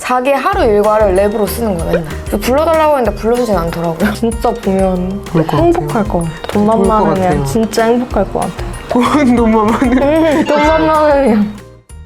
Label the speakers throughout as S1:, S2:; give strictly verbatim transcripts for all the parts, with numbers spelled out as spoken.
S1: 자기 하루 일과를 랩으로 쓰는 거야 맨날. 그래서 불러달라고 했는데 불러주진 않더라고요. 진짜 보면
S2: 그럴 것
S1: 행복할 것 같아. 돈만
S2: 그럴 것
S1: 많으면
S2: 같아요.
S1: 진짜 행복할 것 같아.
S2: 돈 돈만 많으면.
S1: 응, 돈만 많으면.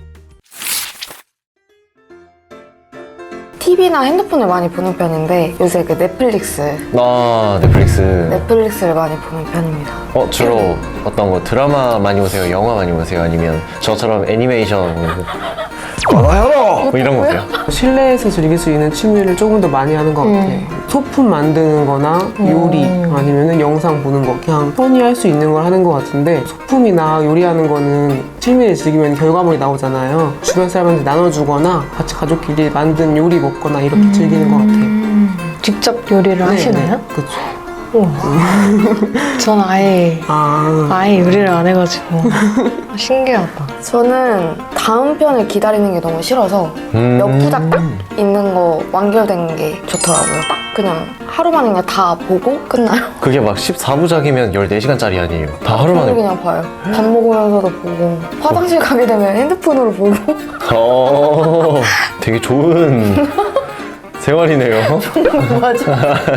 S1: 티비나 핸드폰을 많이 보는 편인데 요새 그 넷플릭스
S3: 아, 넷플릭스.
S1: 넷플릭스를 많이 보는 편입니다.
S3: 어, 주로 어떤 거 드라마 많이 보세요? 영화 많이 보세요? 아니면 저처럼 애니메이션 꺼놔요! 뭐 이런 거세요?
S2: 실내에서 즐길 수 있는 취미를 조금 더 많이 하는 것 같아.
S1: 음.
S2: 소품 만드는 거나 요리 아니면 영상 보는 거 그냥 편히 할 수 있는 걸 하는 것 같은데 소품이나 요리하는 거는 취미를 즐기면 결과물이 나오잖아요. 주변 사람한테 나눠주거나 같이 가족끼리 만든 요리 먹거나 이렇게 즐기는 것 같아요.
S1: 직접 요리를 하시나요?
S2: 그렇죠.
S1: 우와. 전 아예
S2: 아,
S1: 아예 요리를 안 해가지고 신기하다. 저는 다음 편을 기다리는 게 너무 싫어서
S3: 음.
S1: 몇 부작 딱 있는 거 완결된 게 좋더라고요. 딱 그냥 하루 만에 그냥 다 보고 끝나요.
S3: 그게 막 십사 부작이면 열네 시간짜리 아니에요? 다 하루 만에.
S1: 저는 그냥 봐요. 밥 먹으면서도 보고 화장실 가게 되면 핸드폰으로 보고.
S3: 어, 되게 좋은 생활이네요.
S1: 맞아.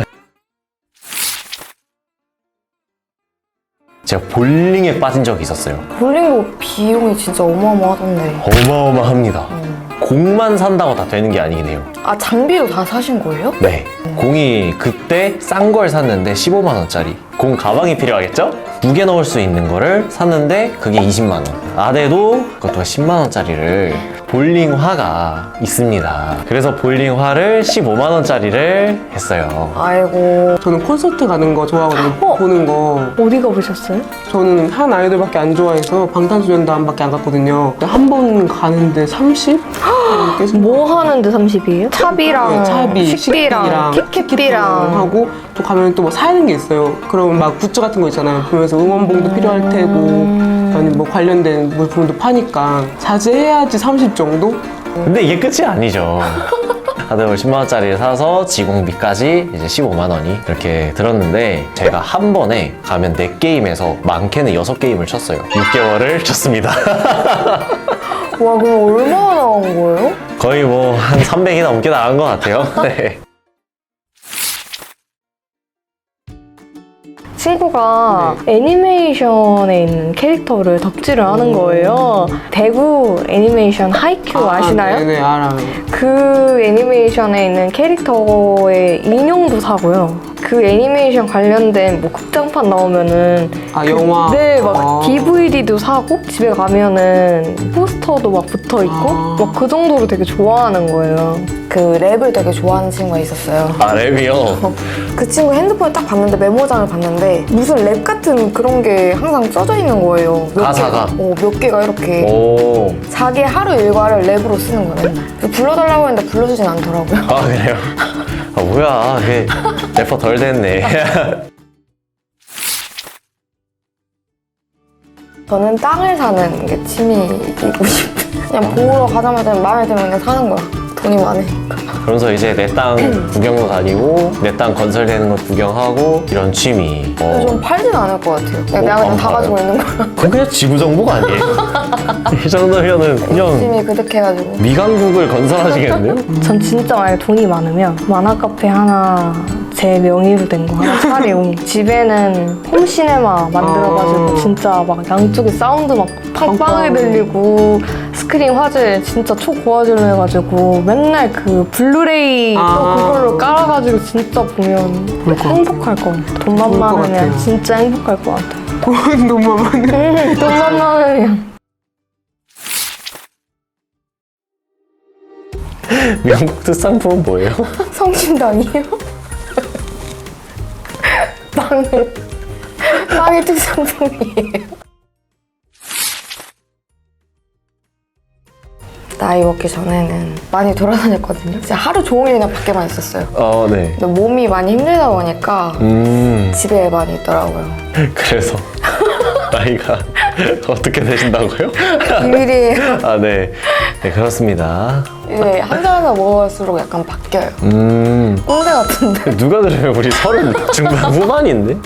S3: 제가 볼링에 빠진 적이 있었어요.
S1: 볼링도 비용이 진짜 어마어마하던데.
S3: 어마어마합니다. 공만 산다고 다 되는 게 아니긴 해요.
S1: 아, 장비도 다 사신 거예요?
S3: 네. 공이 그때 싼 걸 샀는데 십오만 원짜리. 공 가방이 필요하겠죠? 두 개 넣을 수 있는 거를 샀는데 그게 이십만 원. 아대도 그것도 십만 원짜리를 볼링화가 있습니다. 그래서 볼링화를 십오만 원짜리를 했어요.
S1: 아이고.
S2: 저는 콘서트 가는 거 좋아하거든요.
S1: 어?
S2: 보는 거.
S1: 어디 가보셨어요?
S2: 저는 한 아이돌밖에 안 좋아해서 방탄소년단밖에 안 갔거든요. 한 번 가는데 삼십? 계속
S1: 뭐 하는데 삼십이에요? 차비랑
S2: 네, 차비,
S1: 식비랑 티켓비랑
S2: 하고 또 가면 또 뭐 사는 게 있어요. 그럼 막 굿즈 같은 거 있잖아요. 보면서 응원봉도 필요할 테고 아니면 뭐 관련된 물품도 파니까 자제해야지 삼십 정도?
S3: 근데 이게 끝이 아니죠. 다들 십만 원짜리를 사서 지공비까지 이제 십오만 원이 이렇게 들었는데 제가 한 번에 가면 네 게임에서 많게는 여섯 게임을 쳤어요. 육 개월을 쳤습니다.
S1: 와, 그럼 얼마나 나온 거예요?
S3: 거의 뭐 한 삼백이 넘게 나간 것 같아요. 네.
S1: 친구가 애니메이션에 있는 캐릭터를 덕질을 하는 거예요. 대구 애니메이션 하이큐
S2: 아,
S1: 아시나요?
S2: 네네, 알아요.
S1: 그 애니메이션에 있는 캐릭터의 인형도 사고요. 그 애니메이션 관련된 뭐 극장판 나오면은
S2: 아, 영화?
S1: 네, 막
S2: 아.
S1: 디브이디도 사고 집에 가면은 포스터도 막 붙어 있고
S2: 아.
S1: 막 그 정도로 되게 좋아하는 거예요. 그 랩을 되게 좋아하는 친구가 있었어요.
S3: 아, 랩이요?
S1: 그 친구 핸드폰을 딱 봤는데 메모장을 봤는데 무슨 랩 같은 그런 게 항상 써져 있는 거예요. 몇
S3: 가사가?
S1: 개가, 어, 몇 개가 이렇게.
S3: 오.
S1: 자기 하루 일과를 랩으로 쓰는 거야 맨날. 그래서 불러달라고 했는데 불러주진 않더라고요.
S3: 아, 그래요? 아, 뭐야. 그게 래퍼 덜 됐네.
S1: 저는 땅을 사는 게 취미이고 싶어요. 그냥 보러 가자마자 마음에 들면 그냥 사는 거야. 돈이 많으니까.
S3: 그러면서 이제 내 땅 구경도 다니고 내 땅 건설되는 것 구경하고 이런 취미.
S1: 근데
S3: 어.
S1: 좀 팔진 않을 것 같아요. 그냥 내가 그냥
S3: 안
S1: 다
S3: 팔아요?
S1: 가지고 있는 거야.
S3: 그건 그냥 지구정복 아니에요? 이 정도면은 그냥
S1: 열심히 그득해가지고.
S3: 미강국을 건설하시겠는데요?
S1: 전 진짜 만약에 돈이 많으면 만화 카페 하나 제 명의로 된 거 하나 차리고 집에는 홈시네마 만들어가지고
S2: 아.
S1: 진짜 막 양쪽에 사운드 막 팡팡하게
S2: 빵빵.
S1: 들리고 스크린 화질 진짜 초고화질로 해가지고 맨날 그 블루레이 또
S2: 아.
S1: 그걸로 깔아가지고 진짜 보면
S2: 그럴 것
S1: 행복할 것 같아. 돈만
S2: 좋을 것
S1: 많으면
S2: 같아요.
S1: 진짜 행복할 것 같아.
S2: 돈 돈만 많으면.
S1: 돈만 많으면.
S3: 미국 특산품은 뭐예요?
S1: 성심당이요? 빵을 빵이 특산품이에요. 나이 먹기 전에는 많이 돌아다녔거든요. 진짜 하루 종일 그냥 밖에만 있었어요.
S3: 어, 네.
S1: 근데 몸이 많이 힘들다 보니까
S3: 음,
S1: 집에 많이 있더라고요.
S3: 그래서 나이가 어떻게 되신다고요?
S1: 비밀이에요.
S3: 아, 네. 네, 그렇습니다.
S1: 이제 한잔하다 먹을수록 약간 바뀌어요.
S3: 음,
S1: 꼰대 같은데.
S3: 누가 그래요? 우리 서른 중반 후반인데?